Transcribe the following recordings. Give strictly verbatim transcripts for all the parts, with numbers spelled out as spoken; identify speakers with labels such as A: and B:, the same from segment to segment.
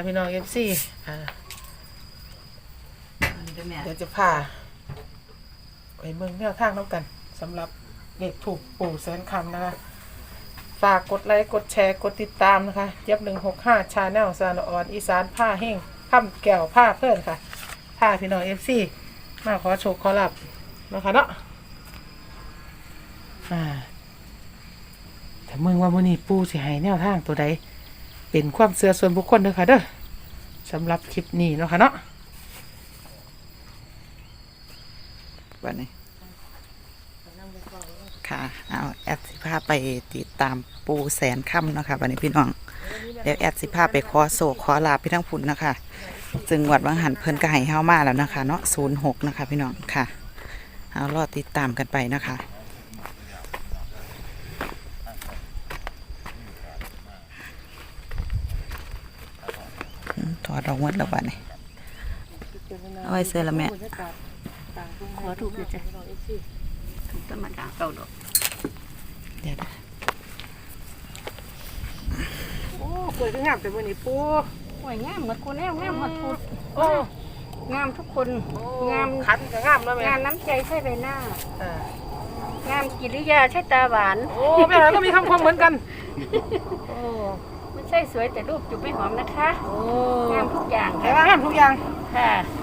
A: พี่น้องเอฟซีอ่าเดี๋ยวจะพาไปเมืองแนวทางน้ำกันสำหรับเด็กถูกปู่แสนคำนะคะฝากกดไลค์กดแชร์กดติดตามนะคะเจี๊ยบหนึ่งหกห้าชาแนลซานออนอีสานผ้าแห้งข้ามแก้วผ้าเพื่อนค่ะผ้าพี่น้องเอฟซีมาขอโชคขอรับนะคะเนาะอ่าแต่เมืองว่ามื้อนี้ปู่สิให้แนวทางตัวใดเป็นความเชื่อส่วนบุคคลเด้อค่ะเด้อสำหรับคลิปนี้เนาะค่ะเนาะ
B: วันนี้ค่ะเอาแอดสิพาไปติดตามปูแสนค่ำเนาะค่ะวันนี้พี่น้องเดี๋ยวแอดสิพาไปขอโศกขอลาพี่ทั้งผุนนะคะจึงวัดวังหันเพิ่นก็ให้เฮามาแล้วนะคะเนาะศูนย์หกนะคะพี่น้องค่ะเอารอติดตามกันไปนะคะถอดออกหมดแล้ววันนี้เอาไว้เสื้อละแม่
C: ขอถูกเลยจ้ะถูกธรรมดาเก่าดอก
B: เดี๋ยว
A: โอ้เปิดงามแต่มื้อนี้ปู่
C: โอ้ยงามหมดคนแน่งามหมดพูดโอ้งามทุกคนงาม
A: ขันก็งามแล้วแม่
C: งามน้ำใจใช่ใบหน้า
A: อ่าง
C: ามกิริยาใช่ตาหวาน
A: โอ้แม่หลานก็มีคำคมเหมือนกันโอ้
C: ไม่ใช่สวยแต่รูปจุบไม่หอมนะคะ
A: โอ้
C: งามทุกอย่าง
A: แต่
C: ค่ะ
A: ว่างามทุกอย่าง
C: ค่ะ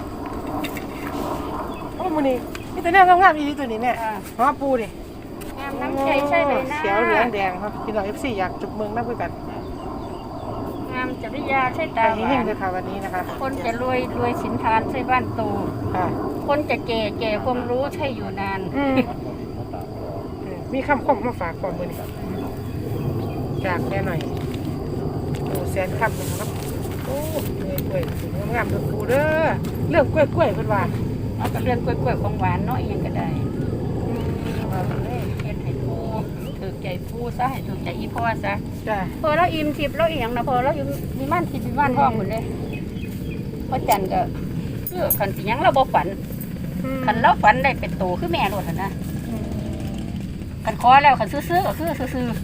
A: โอ้มื้อนี้มีแต่แนวงามๆอีหลีตัวนี้แม่
C: อ่า
A: ฮอปูนี่
C: งามน้ำใจใช่ใบหน้า
A: เขียวเหลืองแดงครับพี่น้อง เอฟ ซี อยากจุบเมืองนักด้วยกัน
C: งามจริยาใช่
A: ไป
C: ตาห
A: เฮ
C: วาง น
A: ๆเลยค่ะวันนี้นะคะ
C: คนจะรวยรวยสินทานใช่บ้านโต
A: ค่ะ
C: คนจะแก่แก่ความรู้ใช่อยู่นาน
A: อืมมีคำคมมาฝากก่อนมื้อนี้จากแม่หน่อยโอ้แสนคำนะครับโอ้กล้วยๆสวยงามๆตัวปูเด้อเรื่องกล้วยๆเพิ่นว่า
C: เอาแต่เรื่องกล้วยๆของหวานเนาะอีหยังก็ได้เอาเลยเฮ็ดให้ปูถือใจปูซะให้ถือใจอีพ่อซะ
A: จ้ะ
C: พอเราอิ่มทิพย์เราอีหยังนะพอเราอยู่มีม่านทิพย์มีม่านทองหมดเลยเพราะจันก็เลือกคันสิหยังเราบ่ฝันคันเราฝันได้เป็นโตคือแม่โลดหั่นนะคันขอแล้วคันซื้อๆก็คือซื้อ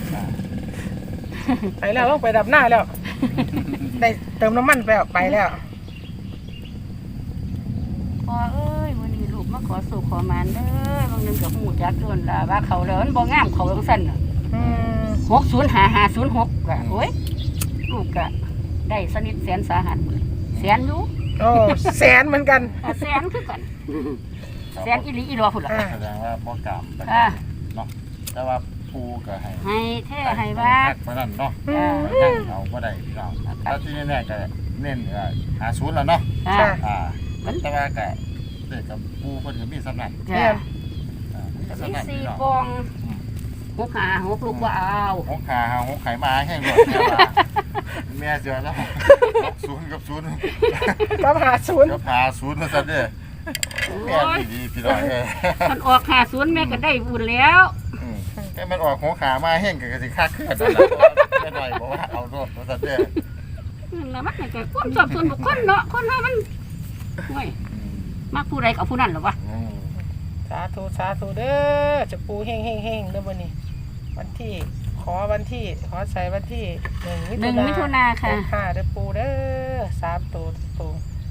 A: ไปแล้วต้องไปดับหน้าแล้ว ได้เติมน้ำมันไปแล้วไปแล้ว
C: ๆพอเอ้ยวันนี้ลูกมาขอสู่ขอมานเด้อบางนึงก็ฮู้จักโดนล่ะว่าเขาแล้วมันบ่งามเขาจังซั่นน่ะ
A: อืม
C: หกศูนย์ห้าห้าศูนย์หกก็โอ้ยลูกก็ได้สนิทแสนสาหัสแสนอยู่
A: โอ้แสนเหมือนกัน
C: อ่ะแสนคือกันแสนอีหลีอีหลอพุ่นล่ะ
A: อ่า
D: แสดงว่าบ่กรรมไป
C: อ่า
D: เนาะแต่ว่าปูก็ให้
C: ให้แท้ให้ว่า
D: แพ็กไปนั่นเนาะ
C: อ่า
D: ไปนั่งเอาบ่ได้พี่น้องแล้วที่แน่ๆก็เน้นเอ่อหาศูนย์แล้วเนาะ
C: ค่ะ
D: อ่าแต่ว่าก็เด็กกับปูเพิ่นก็มีสำนัก
C: จ้ะ
D: อ่ามี
C: มี
D: สำนัก
C: สี่
D: พี่น้อง
C: ปองหกหาหกลูกว่าเอา
D: หกขาหาหกไข่มาแห้งหมดแม่ว่าแม่เสือแล้วหกศูนย์กับศูนย์
A: กับหาศูนย์
D: กับหาศูนย์มาซะเด้อแม่ดีๆพี่น้องเอ้ย
C: มันออกหาศูนย์แม่ก็ได้บุญแล้ว
D: อืมแค่มันออกหัวขามาแห้งก็สิค่าเคลื่อนนั่นแหละแม่หน่อยบอกว่าเอาโทษมาซะเด้อ
C: แล้วมันก็ความชอบส่วนบุคคลเนาะคนเฮามันโอ้ยมักผู้ใดก็ผู้นั้นเหรอวะ
D: อืม
A: สาธุสาธุเด้อจะปูเฮงเฮงเฮงเด้อวันนี้ วันที่ขอวันที่ขอใส่วันที่หนึ่ง
C: หนึ่งมิถุนาค่ะ
A: ค่ะเด้อปูเด้อสามตัวตรง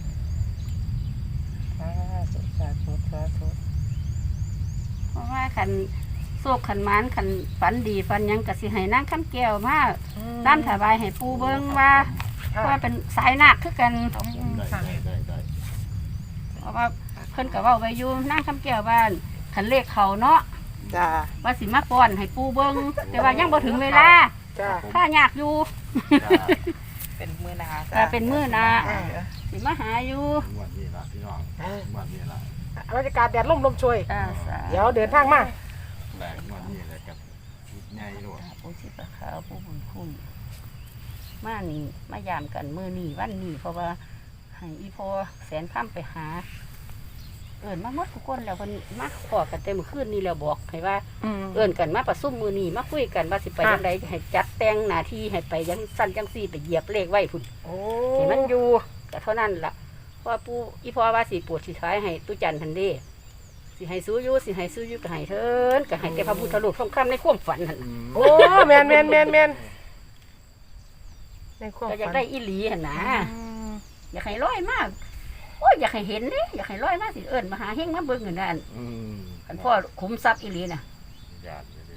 A: สาธุสาธุสาธุ
C: เพราะว่าคันโศกขันหมานคันฝันดีฝันหยังก็สิให้นางคำแก้วมาตามถวายให้ปู่เบิ่งว่า
A: ค่ะ
C: ว่าเป็นสายนาคคือกัน
D: ได้ได้ได้ได้
C: เพราะว่าเพิ่นก็เว้าไว้อยู่นางคำแก้วบ้านคันเลขเขาเนาะ
A: จ้า
C: ว่าสิมาป้อนให้ปู่เบิ่งแต่ว่ายังบ่ถึงเวลา
A: จ้า
C: ถ้ายากอยู่
A: เป็นมือนา
C: แต่เป็นมื้อหนา
A: อ่า
C: สิมาหาอยู่
D: งวดนี้ล่ะพี่น้องงวดนี้ล่ะ
A: บรรยากาศแดดร่มลมช่วย
C: จ้าสา
A: เดี๋ยวเดินทางมา
D: แหลกงวดนี้เลยกับใหญ่ด้วย
C: ปู่สิปะขาวปู่บุญคุณมานี่มายามกันมื้อนี้วันนี้เพราะว่าให้อีพ่อแสนค่ำไปหา เอิ้นมาหมดทุกคนแล้วเพิ่นมาขอกันแต่มื้อคืนนี้แล้วบอกให้ว่า
A: อืม
C: เอิ้นกันมาประชุมมื้อนี้มาคุยกันว่าสิไป
A: ค่ะ
C: จังไดให้จัดแต่งหน้าที่ให้ไปจังสั้นจังซี่ไปเหยียบเลขไว้พุ่น
A: โอ้
C: ให้มันอยู่ก็เท่านั้นล่ะเพราะว่าปู่อีพ่อว่าสิปวดสิท้ายให้ตุจันทันเด้สิให้สู้อยู่สิให้สู้อยู่ก็ให้เถินก็ให้แต่พระพุทธรูปทองคำในความฝันหั่นน่ะ
A: โอ้แมนแมนแมนแมนในความ
C: ก็อยาก
A: ฝัน
C: ได้อีหลีหั่นนะ
A: อืม
C: อยากให้ร้อยมากโอ้ยอยากให้เห็นเด้อยากให้ร้อยมากสิเอิ้นมาหาเฮงมาเบิ่งนั่นน่ะ
D: อืม
C: คันพ่อขุมทรัพย์อีหลีน่ะ
D: ญาติเลย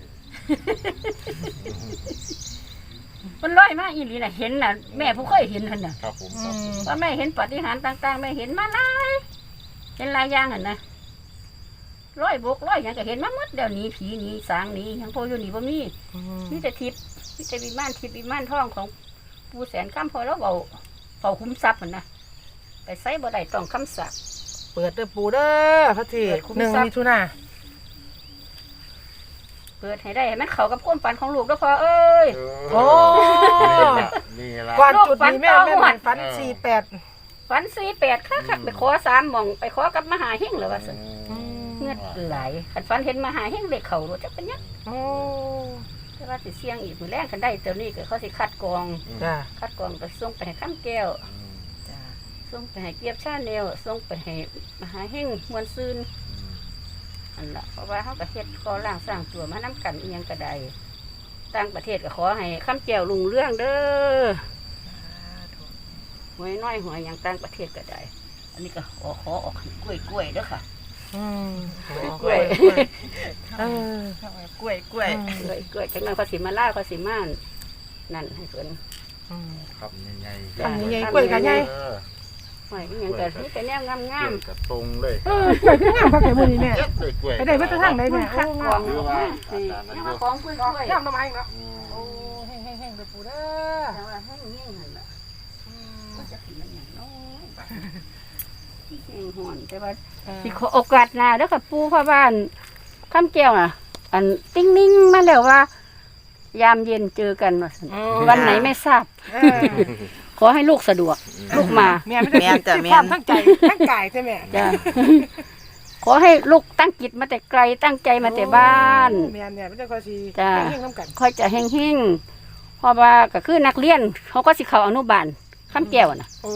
C: มันร้อยมากอีหลีน่ะเห็นน่ะแม่ผู้เคยเห็นหั่นน่ะ
D: ครับผม
A: อื
D: ครับผม
A: ม
C: ว่าแม่เห็นปาฏิหาริย์ต่างๆแม่เห็นมาหลายเห็นหลายอย่างหั่นนะร้อยบกร้อยหยังก็เห็นมาหมดเดี๋ยวนี้ผีหนี้สางหนี้หยังพออยู่นี่บ่มี
A: อืม
C: มีแต่ทิพย์มีแต่วิมานทิพย์วิมานทองของปู่แสนคำพอแล้วเบาเบาคุ้มทรัพย์มันนะไปใส่บ่ได้ต้องคำสัก
A: เปิดเด้อปูเด้อพระที
C: เปิดคุ้ม
A: หนึ่ง
C: ทรัพย์
A: มิถุนา
C: เปิดให้ได้ให้มันเข้ากับความฝันของลูกแล้วพอเอ้ย
A: โอ้
D: นี่ละ
A: ก่อนจุดนี้แม่
C: ลูกฝัน
A: แม่
C: ต่อ
A: หมาย
C: งวด
A: ฝันสี่แปด
C: ฝันสี่แปดค่ะค่ะไปขอสามหม่องไปขอกับมหาเฮงเลยว่าสิ
A: อืม
C: เงือดไหลคันฝันเห็นมหาเฮงเด็กเขารู้จักเป็นหยัง
A: โอ้
C: แต่ว่าสิเสี่ยงอีกมือแรกกันได้เดี๋ยวนี้ก็เขาสิคัดกรอง
A: จ้า
C: คัดกรองไปส่งไปให้ข้ามแก้ว
B: จ้า
C: ส่งไปให้เกียบชาแนลส่งไปให้มหาเฮงมวลซืนอันละเพราะว่าเขาก็เฮ็ดก่อร่างสร้างตัวมาน้กันอีหยังก็ได้ต่างประเทศก็ขอให้ข้ามแก้วลุงเรื่องเด้อหวยน้อยหวยหยังต่างประเทศก็ได้ อันนี้ก็ขอขอออกให้กล้วยกล้วยๆเด้อค่ะ
A: อืม
C: กล้วย
A: เออก
B: ล้วยกล้วย
C: กล้วยกล้วยจังนั้นเขาสิมาล่าเขาสิมานั่นให้เพิ่น
A: อืม
D: ครับใหญ่ๆ
A: ทำยังไงกล้วยกันไง
D: เออ
C: หวยอีหยังก็มีแต่แนวงาม
D: กล้วยกระตรงเลย
A: เออกล้วยขึ้นงามพักแต่มือนี้แม่
D: เจ็ดเลยกล้วย
A: ไปได้มาตรทางไหน
C: ๆ
A: แม่
C: คั
A: โอ้
C: ดก
A: งาร
C: อง
A: ม
C: ออกมานี่ยังมาของกล้วยกล้วย
A: งามทำไมเนาะ
D: อืม
A: โอ้แห้งแห้งแห้งเลยปูเด้อ
C: แต่ว่าให้เงี้ยนั่นล่ะก็จะกินมันอย่างน้อยแห้งห่อนแต่ว่าสิขอโอกาสหน้าเด้อค่ะปู่พ่อบ้านคำแก้วน่ะ อันติ้งนิ่งมาแล้วว่า ยามเย็นเจอกันว่าซั่นวันไหนไม่ทราบ
A: เออ
C: ขอให้ลูกสะดวก ลูกมา
A: แม่ไม่ได้
B: แม่นจ้ะแม่
A: ความ
B: น
A: ทั้งใจทั้งกายใช่ไหม
C: จ้ะ ขอให้ลูกตั้งจิตมาแต่ไกลตั้งใจมาแต่บ้าน
A: แม่เนี่ยไม่ได้คอยสี
C: จ้ะ
A: เฮงๆน้ำกัน
C: ค่อยจะแห้งๆเพราะว่าก็คือนักเรียน เขาก็สิเข้าอนุบาลคำแก้วน่ะ
A: โอ้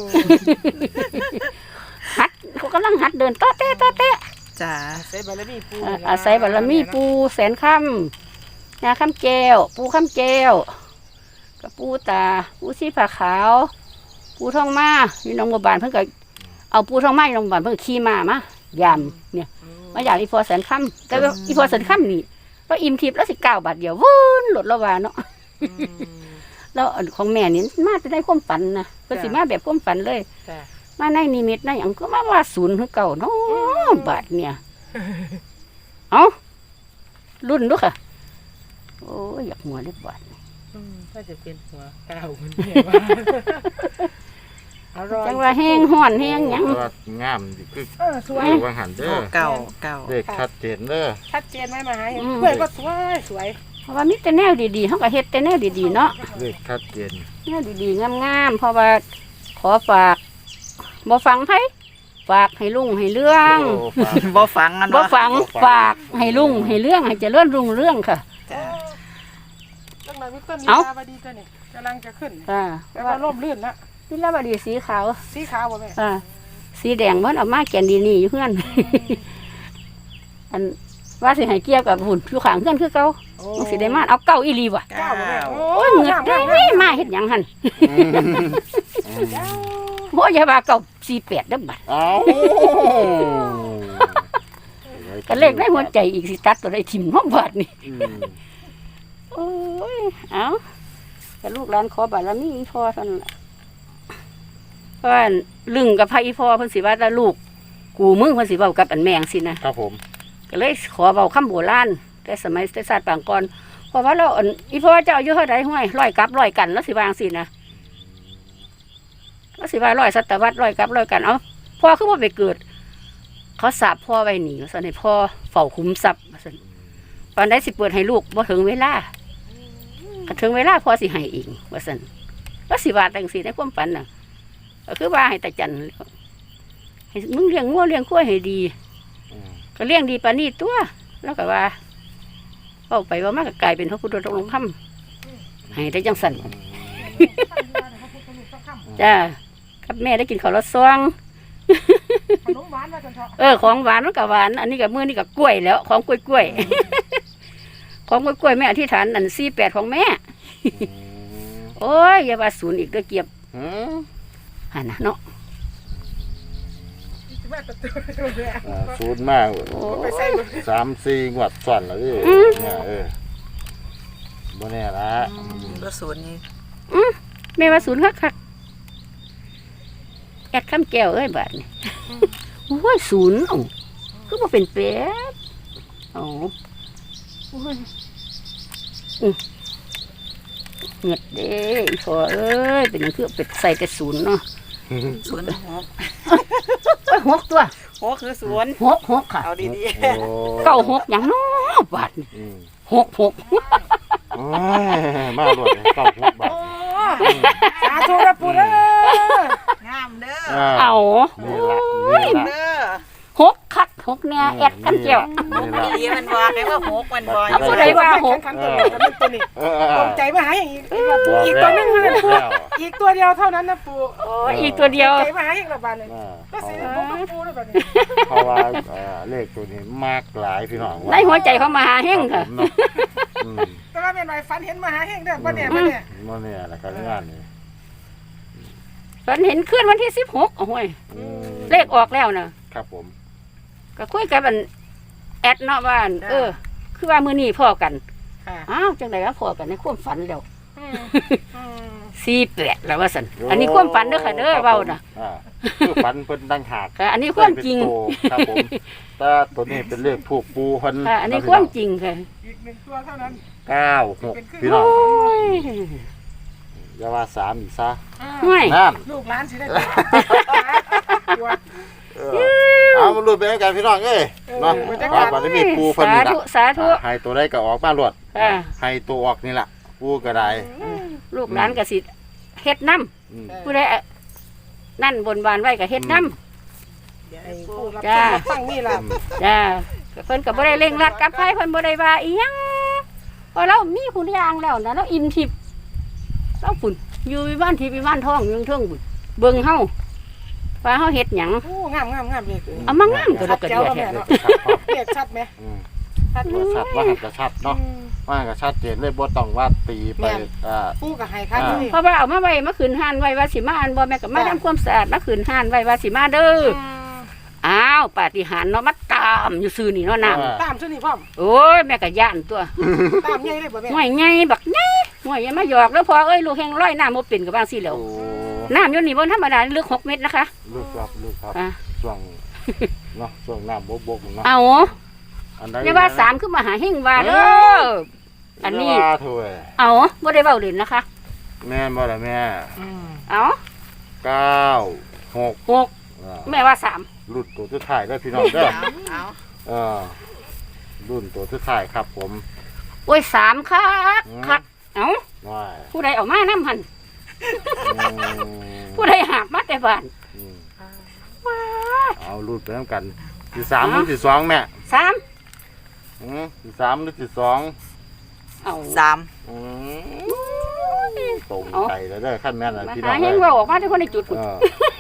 C: หัดเขากำลังหัดเดินโต๊ะเตะโต๊ะเตะ
B: จ้า
A: อาศัยบารมีปู
C: อ่าอาศัยบารมีปูแสนคำยาคำแก้ว ปูคำแก้วกับปูตา ปูสีผาขาว ปูทองมาอยู่หนองบัวบานเพิ่นก็เอาปูทองมาอยู่หนองบัวบานเพิ่นก็ขี่มามายำเนี่ยมาอยากอีพอแสนคำแต่ว่าอีพอแสนคำนี่ก็อิ่มทิพย์แล้วสิเก้าบาทเดียววุ้นหลดละวาเนาะ
A: อืม
C: แล้วอันของแม่นี่มาจะได้ความฝันนะเพิ่นสิมาแบบความฝันเลย
A: จ้ะ
C: มาในนิมิตในหยังก็มาว่าศูนย์คือเก่าเนาะบาทเนี่ย เอารุ่นดูค่ะ โอ้ยอยากหัวเล็บบาท
A: อืมถ้าจะเป็นหัวเก้ามันเนี่ยว่าอร่อย
C: จังว่าแห้งห่อนแห้งหยัง
D: แต่ว่างามดิคือ
A: เออสวย
D: เรียกว่าหันเด้
B: โอ้
D: อ
B: เก่าเก่า
D: เด็กชัดเจนเด้อ
A: ชัดเจนไหมมาให้เพื่อนก็สวยสวย
C: เพราะว่ามีแต่แนวดีๆเฮาก็เฮ็ดแต่แนวดีๆเนาะ
D: เด็กชัดเจน
C: แนวดีๆงามๆเพราะว่าขอฝากบ่ฟังไผฝากให้ลุงให้เรื่อง
D: โอ้ฝาก
B: บ่ฟังกัน
C: บ่
B: วะ
C: ฟังฝากให้ลุงให้เรื่องให้เจริญรุ่งเรื่องค่ะ
B: จ้า
A: เรื่องนั้นมีต้นมี
C: เอ้า
A: ลาบดีตัวนี่กำลังจะขึ้น
C: อ่า
A: แต่ว่าร่มรื่นละ
C: นี่ละบดีสีขาว
A: สีขาวบ่แม่
C: อ่าสีแดงมันออกมาแกนดีนี่อยู่เพื่อน อันว่าสิให้เกี่ยวกับหุ่นผิวขางเพื่อนคือเก่า
A: โอ้
C: มันสิได้มาเอาเก่าอีหลีว่ะ
A: เก้าบ่แม่โอ้
C: โอ้ย
A: ย
C: เหงือ
A: งาม
C: ด
A: งาม
C: ได้
A: งาม
C: มาเฮ็ดหยังหั่น
D: อืมอืม
A: เจ้า
C: โอ้ยอย่าว่าเก่าสี่แปดเด้อบัด
D: เอ้า
C: ก็เลขในหัวใจอีกสิตัดตัวได้ทิ่มเฮาบาดนี่
D: อืม
C: โอ้ยเอาแต่ลูกหลานขอบารมีอีพ่อซั่นล่ะเพราะว่าลึงกับพระอีพ่อเพิ่นสิว่าแต่ลูกกูมึงเพิ่นสิเว้ากับอันแมงสินะครับ
D: ผม
C: ก็เลยขอเว้าคำโบราณแต่สมัยแต่ศาสตร์ปางก่อนเพราะว่าเราอันอีพ่อเจ้าอายุเท่าใดห้วยร้อยกับร้อยกันแล้วสิวาจั่งสินะแล้วสิว่าร้อยศตวรรษร้อยกับร้อยกันเอาพ่อคือบ่ไปเกิด เขาสาบพ่อไว้หนีว่าซั่นให้พ่อเฝ้าคุ้มทรัพย์ว่าซั่นตอนใดสิเปิดให้ลูกบ่ถึงเวลาก็ถึงเวลาพ่อสิให้เองว่าซั่นแล้วสิว่าจังซี่ในความฝันน่ะก็คือว่าให้ตาจันให้มึงเลี้ยงงัวเลี้ยงควายให้ดี
D: อืม
C: ก็เลี้ยงดีปานนี้ตัวแล้วก็ว่าเอาไปว่ามันก็กลายเป็นพระพุทธองค์คำให้ได้จังสันจ้ากับแม่ได้กินข้าวรสซอง
A: ขนมหวานว่าจังเถาะ
C: เออของหวานมันก็หวานอันนี้กับมือนี่กับกล้วยแล้วของกล้วยกล้วยๆของกล้วยกล้วยๆแม่อธิษฐานอันสี่แปดของแม่
D: อืม
C: โโอ้ยอย่าว่าศูนย์อีกเด้อเกียบ
D: หืม
C: หั่นน่ะเนาะ
A: มาประตูเลย
D: อ่าศูนย์มาก
A: ไปใส่บ่
D: สามสี่งวดซ้อนแล้วดิเนี่ยเออบ่แน่ละ
B: ก็ศูนย์นี่
C: แม่ว่าศูนย์คักๆแอดคำแก้วเอ้ยบาดนี่โอ้ยศูนย์เอ้าคือบ่เป็นเป็ดเอ้าโอ้ยอื้อเงียดเด้อีพ่อเอ้ยเป็นหยังคือเป็ดใส่แต่ศูนย์เนาะ
B: ศูนย์หก
C: โอ้ยหกตัว
B: หกคือศูนย์
C: หกหกค่ะ
B: เอาดี
D: โอ้
C: เก้าหกหยังเนาะบาดนี่
D: อืม
C: หกหก
D: โอ้ยมาโลดเลยเก้าหกบาท
A: สาธุนะปู่เด้อ
B: ๆงามเด้อ
D: อ่า
C: เอา
D: นี่ละนี่ละ
B: เด้อ
C: หกคักหกเนี่ยแอดคำแก้ว
D: นี่ละ
B: ดีมันบอกเลยว่าหกมันบอกอยู่
C: ผู้ใดว่าหก
A: ขันตัวนี้จะเป็นตัวนี้
D: เออเออ
A: ตรงใจมาหาอย่างอีก
D: บอก
A: อีกตัวหนึง
D: แล้
A: นะ
D: ว
A: ปู่
D: แล้ว
A: อีกตัวเดียวเท่านั้นนะปู่
C: โอ้ยอีกตัวเดียว
A: ใจมาหาอย่างละบาทเลย
D: อ่า
A: ก็
D: เพ
A: สิ
D: ราะ
A: ผมก็ปู่ด้วยแบบนี้
D: เพราะว่าเอ่อเลขตัวนี้มากหลายพี่น้อง
C: ในหัวใจเขามาหาเฮงค่ะ
D: รับผมเนาะอืม
A: แต่ว่าเป็นไรฝันเห็นมาหาเฮงเด้อบ่เนี่ยบ่เนี่ย
D: บ่เนี่ยแหละการงานนี่
C: ฝันเห็นขึ้นวันที่สิบหกโอ้ย
D: อืม
C: เลขออกแล้วนะครับ
D: ผม
C: ก็คุยกับอันแอดเนาะว่าอันเออ คือว่ามือนี้พ่อกัน
A: ค่ะ
C: อ้าวจังไดว่าพ่อกันในความฝันแล้ว
A: อืมอืม
C: สี่แปดแล้วว่าสันอันนี้ความฝันเด้อค่ะเด้อเว้าน่ะ
D: อ่าคือฝันเพิ่นดังหาก
C: ค่ะอันนี้ความจริง
D: เป็นโตครับผมแต่ตัวนี้เป็นเลขถูกปูเพิ่น
C: ค่ะอันนี้ความจริงค่ะ
A: อีกหนึ่งตัวเท่านั้น
D: เก้าหกพี่น้
C: โอ้
D: อง
C: ย
D: อย่าว่าสามอีกซะ
C: ห่วย
D: นั่น
A: ลูกหลานสิได้ตัว
D: เออเอามาลุ้นไปให้กันพี่น้องเอ้ยเนาะ
A: เออ
D: ว่าบัดนี้มีปูเพิ่น
C: สา
D: นี่ล่ะ
C: ธุสาธุ
D: อ่าให้ตัวได้ก็ออกมาลวด
C: อ่า
D: ให้ตัวออกนี่ล่ะปูก็ได้
C: ลูกหลานก็สิเฮ็ดน้
D: อืม
C: ำผู้ใดอะนั่นบนบานไว้ก็เฮ็ดน้
A: ไอ้ผู้รับ
C: จ้า
A: ชมรับฟังนี่ล่ะ
C: ำจ้าก็เพิ่นก็บ่ได้เร่งรัดกับไผเพิ่นบ่ได้ว่าอีหยังเพราะเรามีคุณอย่างแล้วนะเราอิ่มทิพย์เราฝุ่นอยู่วิบ้านทิพย์วิบ้านทองอยู่เทิงบุญเบิ่งเฮาว่าเฮาเฮ็ดหยัง
A: โอ้งามงามงามเลย
C: เอามางามก็ดอกกระเดีย
A: ชัด
C: แท้
A: แจ๋ว
D: เลขชัดพร้อม
A: เรียกชัดไหม
D: อืม
A: ชัด
D: ว่าชัดว่าหันกระชัดเนาะว่าหันกระชัดเจนเลยบ่ต้องว่าตีไปอ่า
A: ผู้กับไฮคันนี่
C: เพราะว่าเอามาไว้มาคืนห้านไว้ว่าสิมาอันบ่แม่ก็มาทำความสะอาดมาคืนห้านไว้ว่าสิมาเด้ออ้าวปาฏิหาริย์เนาะมาตามอยู่ซื่อนี่เนาะน้ำ
A: ตามชุดนี้พ่อม
C: โอ้ยแม่ก็ย่านตัว
A: ตามใหญ่เลยบ่แม่
C: ห่วยไงบักไงห่วยอยังมาหยอกแล้วพอเอ้ยลูกแห้งร้อยน้ำบ่เป็นกับบางสิแหล้ว
D: โอ้
C: น้ำอยู่นี่บนธรรมดาลึกหกเมตรนะคะ
D: ลูกครับลูกครับ
C: อ่ะ
D: ช่วงเนาะช่วงน้ำบกบกเนาะ
C: เอา
D: อันใด
C: อย่าว่าสามขึ้นมาหาเฮงว่าเด้ออันนี้
D: ย่าว่าเถอะ
C: เอาบ่ได้เว้าเล่นนะคะ
D: แม่นบ่ล่ะแม่
C: เอา
D: เก้าหก
C: หก
D: อ่า
C: แม่ว่าสาม
D: รุ่นตัวสุดท้ายได้อพี่น้องเด้อ
B: เอาเอา
D: เออรุ่นตัวสุดท้ายครับผม
C: โอ้ยสามคักคักเอา
D: ว้าย
C: ผู้ใดเอามาน้ำหัน
D: อืม
C: ผู้ใดหาบมาแต่บ้าน
D: อืม
C: ว้า
D: เอารุ่นไปน้ำกันที่สามหรือที่สองแม่
C: สาม
D: อืมที่สามหรือที่สอง
C: เอา
B: สาม
D: อืมตรงใจแล้วเด้อขั้นแม่นนะ
C: มา
D: พี่น้
C: หา
D: อง
C: เฮ
D: เอ้
C: ง
D: ย
C: เว้าออกมาทุกคนในจุดพุ่น
D: เออ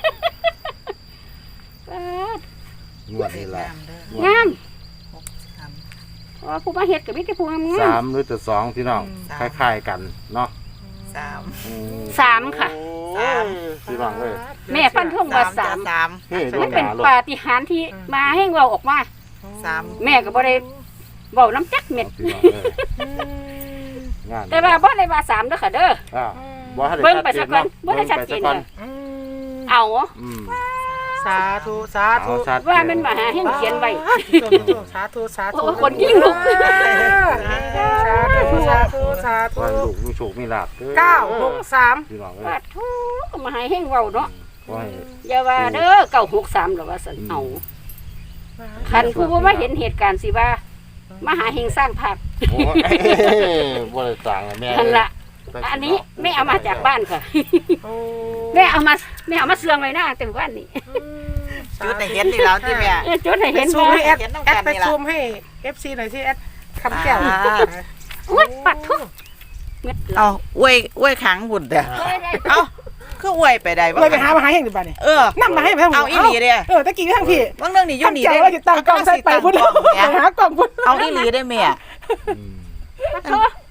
C: ป๊าด
D: งวดนี้แหละ
C: งาม
B: สาม
C: เพราะว่าผู้มาเฮ็ดก็มีแต่ผู้งาม
D: สามหรือจะสองพี่น้อง
B: สาม
D: คล้ายๆกันเนาะ
B: สาม
D: อื
C: สามค่ะ
D: โอ้ยพี่น้องเอ้ย
C: แม่ฟันธงว่าสาม
B: สาม
D: เฮ้ยดว
C: มัน
D: ง
C: เป็น
D: หนาโลด
C: ปาฏิหาริย์ที่มาให้เราออกมา
B: สาม
C: แม่ก็บ่ได้เว้าน้ำจักเม็ด
D: พี่น้องเอ้ยงาน
C: แต่ว่าบ่ได้ว่าสามเด้อค่ะเด้อ
D: อ่าบ่ให้
C: เบิ่งไป
D: ชั
C: สักก่อน
D: าะ
C: บ่ได้ชัดเจน
D: บิ่งไป
C: เลย
D: สัก่อ
C: เอา
D: อืม
A: สาธุสาธุ
D: เอาชัด
C: ว่ามันมาหาให้เขียนไว้
A: สาธุสาธุ
C: โอ้คนยิ่งลุก
A: สาธุสาธุสาธุ
D: ว่าลูกมีโชคมีลาภด้อ
A: เก้าหกสาม
D: พี่น้องเอ้
C: ว่าย ทุกมาให้เฮงเว้าเนาะ
D: ขอให้
C: อย่าว่าเด้อเก้าหกสามหรอกว่าซั่นเอาคันผู้บ่มาเห็นเหตุการณ์สิว่ามาหาเฮงสร้างภาพ
D: โอ้ยบ่ได้สั่งอะแม่
C: นั่นล่ะอันนี้แม่เอามาจากบ้านค่ะ แม่เอามาแม่เอามาเสื่องไว้หน้าแต่บ้านนี่
B: จุดไหนเห็นนี่แล้วที่แม่
C: เออจดให้
A: ไป
C: เห็น
A: ซู
C: บ่
A: มให้แอด
B: เห็นน้ำ
A: แอ
B: กั
A: ด
B: น
A: ไป
B: นี่ล่ะ
A: ซูมให้เอฟซีหน่อยที่แอดคำแก้ว
C: อุ้ยปัดทุกเม็ด
B: เอาอวยอวยขังบุญเด้อเอาคืออวยไปได้บ่
A: เลยไปหามาหาเฮงดีบ้านนี่
B: เออ
A: นั่งมาให้ไปทาง
B: เอาอีหลีเด้อ
A: เออตะกี้ทางพี่
B: บางเรื่องนี่อยู่
A: ทาง
B: นี่
A: เจ้า
B: เด้
A: ว่าจะตั้งกล้องใส่ไปพุ่น
B: ตั้งกล้อง
A: ไป
B: แม่
A: หากล้องพุ่น
B: เอาอีหลีได้แม่
D: อืม
C: ปัดทุก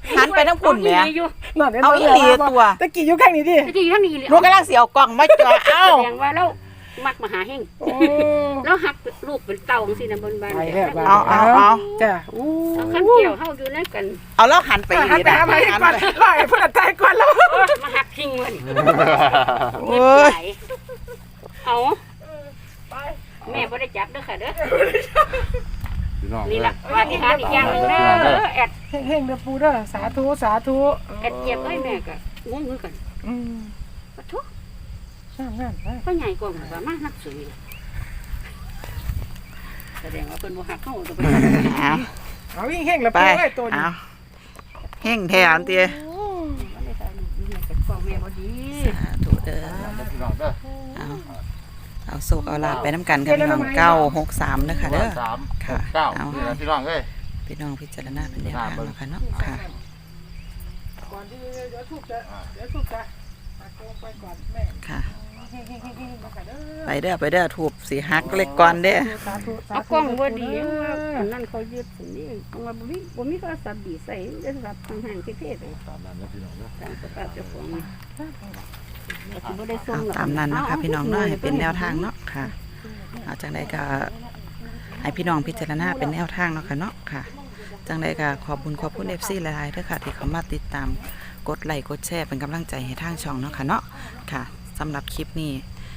B: หันไปทั้งพุ่นแหม่
C: อยู่
A: นั่นห็น
B: เอา
A: บ่
B: อีหลีตัว
A: ตะกี้อยู่ข้างนี้ดิ
C: ตะกี้อยู่ทางนี้เลย
B: หนูกำลังสิเอากล่องมาจ่อเอ้า
C: แสดงว่าเรามักมาหาเฮง
A: โอ้
C: แล้วหักลูกเป็นเต่าจังซี่นะบนบ้าน
A: ไปแล้วบ้าน
B: เอาเอาเอา
A: จ้ะโอ้
C: เอาขั้นเกี่ยวเฮาอยู่นั่นกัน
B: เอาแล้วหันไปอี
A: หัน
B: นี่
A: ไป
B: นะ
A: หาไป
B: หัน
A: ก่อน
B: ไป
A: ไล่พุ่นตายก่อนแล้ว
C: มาหักทิ้งมัน
B: โอ้ย
C: เอาแม่บ่ได้จับเด้อค่ะเด้อ
D: พี่น้อง
C: นี่ล่ะว่าที่หาอีกอย่างหนึงเด้อแอด
A: เฮงๆเด้อปูเด้อสาธุสาธุ
C: แอดเจ็บเอ้ยแม่ก็งงคือกัน
A: อืม
C: ปะทุก
A: งานๆไป
C: พ่อใหญ่กว่าหมู่ว่ามานักสวยแสดงว่าเพิ่นบ่ฮักเฮาตัวเพิ่น
B: เอา
A: เอาวิ่งเฮงแล้ว
B: ไป
A: ปูไอ้ตัวนี้
B: เอาเฮ่งแทนเตี้ย
C: บ่ได้ตายนี่แม่ก็ฟ้องแม่บ่ดี
B: สาธุเด้อ
D: พี่น้องเด้อ
B: เอาเอาโศกเอาลาบไปน้ำกันค่ะพี่น้องเก้าหกสามเด้อค่ะเด้อ
D: สาม
B: ค่ะ
D: เก้า
B: เอา
D: นี่นะพี่น้องเอ้ย
B: พี่น้องพิจารณาเป็นแนวทางเนาะค่ะเนาะค่ะ
A: ก่อนที่เดี๋ยวทุบจะเดี๋ยวทุบจะหักลงไปก่อนแม่
B: ค่ะ
A: เฮงๆๆๆมาค่ะเด้อ
B: ไปเด้อไปเด้อถูบสีหักเล็กก่อนเด้อ
A: สาธุสา
C: เอา
A: ธุ
C: กล้องบ่ดีว่าอันนั้นเขายึดสินี่ว่าบ่มีบ่มีโทรศัพท์ดีใส่โทรศัพท์ห่างๆเท่ๆเลย
D: ตามนั้นนะพี่น้องเด้อ
C: ตามสภาพเจ้าของนี่ก็สิบ่ได้ส่ง
B: เอา
C: หรอก
B: ตามนั้นเนาะค่ะพี่น้องเนาะให้เป็นแนวทางเนาะค่ะเอาจังใดก็ให้พี่น้องพิจารณาเป็นแนวทางเนาะค่ะเนาะค่ะ จังใดก็ขอบคุณขอบคุณ เอฟ ซี หลายๆเด้อค่ะที่เขามาติดตามกดไลค์กดแชร์เป็นกำลังใจให้ทางช่องเนาะค่ะเนาะค่ะสำหรับคลิปนี้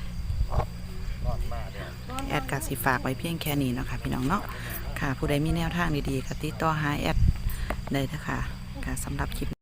B: แอดกาสิฝากไว้เพียงแค่นี้เนาะค่ะพี่น้องเนาะค่ะผู้ใดมีแนวทางดีๆก็ติดต่อหาแอดได้เด้อค่ะค่ะสำหรับคลิป